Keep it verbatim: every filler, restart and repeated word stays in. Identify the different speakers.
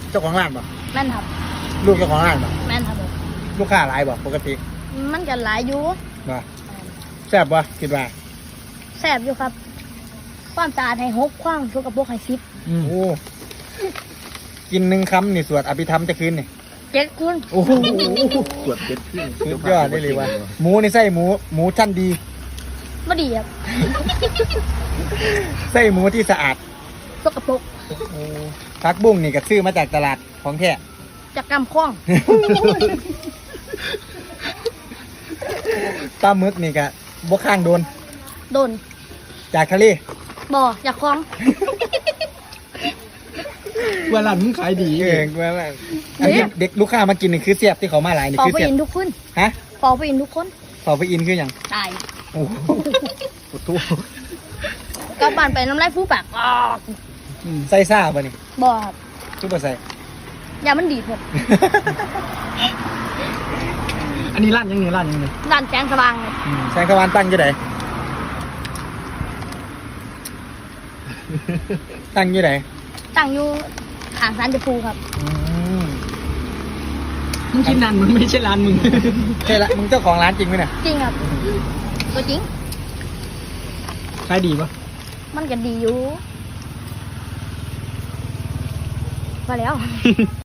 Speaker 1: เจ้าของร้านบ่
Speaker 2: แม่นครับ
Speaker 1: ลูกเจ้าของร้านบ่
Speaker 2: แม่นครับผม
Speaker 1: ลูกค้าหลายบ่ปกติ
Speaker 2: มันกันหลายอยู่
Speaker 1: บ่แซ่บบ่คิดว่า
Speaker 2: แซ่บอยู่ครับ ความสะอาดให้หกความสกปรกให้สิบ
Speaker 1: โอ้กินหนึ่งคำนี่สวดอภิธรรมจะคืนนี่
Speaker 2: เจ็ดคุณ
Speaker 1: โอ้โห
Speaker 3: ตรวจเป็นขึ้น
Speaker 1: สุดยอดได้เลยว่ะหมูนี่ไส้หมูหมูชั้นดี
Speaker 2: ไม่ดีครับ
Speaker 1: ไส้หมูที่สะอาด
Speaker 2: สกปรก
Speaker 1: ผักบุ้งนี่ก็ซื้อมาจากตลาดของแท้
Speaker 2: จากกำข้อง
Speaker 1: ปลาหมึกนี่ก็บ่ข้างโดน
Speaker 2: โดน
Speaker 1: จากทะเล
Speaker 2: บ่อจากคลอง
Speaker 3: เวลามึงขายดี
Speaker 1: เออว่าว่าอันที่เด็กลูกค้ามากินนี่คือเสียบที่เขามาหลายนี่
Speaker 2: ปอ
Speaker 1: คือ
Speaker 2: ไป
Speaker 1: เสียบ
Speaker 2: อินทุกคน
Speaker 1: ฮะ
Speaker 2: ปอไปอินทุกคน
Speaker 1: เป่าไปอินคืออย่าง
Speaker 2: ตาย
Speaker 1: โอ้โห
Speaker 3: ปวดทุ
Speaker 2: กลับบ้านไปน้ำลายฟูปากออก
Speaker 1: ใส่ซ่าป่ะนี่
Speaker 2: บ่อครับ
Speaker 1: ซุปเปอร์ใส่
Speaker 2: ยามันดีดหมด
Speaker 3: อันนี้ร้านยังไงร้านยังไง
Speaker 2: ด้านแสงสว่างเลย
Speaker 1: อืมแสงตะวันตั้งอยู่ไหนตั้งอยู่ไหน
Speaker 2: ตั้งอยู่ข้างสารเจะภูครับ
Speaker 1: อืม
Speaker 3: มึงคิดนานมึงไม่ใช่ร้านมึง
Speaker 1: ใช่ละมึงเจ้าของร้านจริงไหมเนี่ย
Speaker 2: จริงครับตัวจริง
Speaker 3: ขายดีปะ
Speaker 2: มันก็ดีอยู่มาแล้ว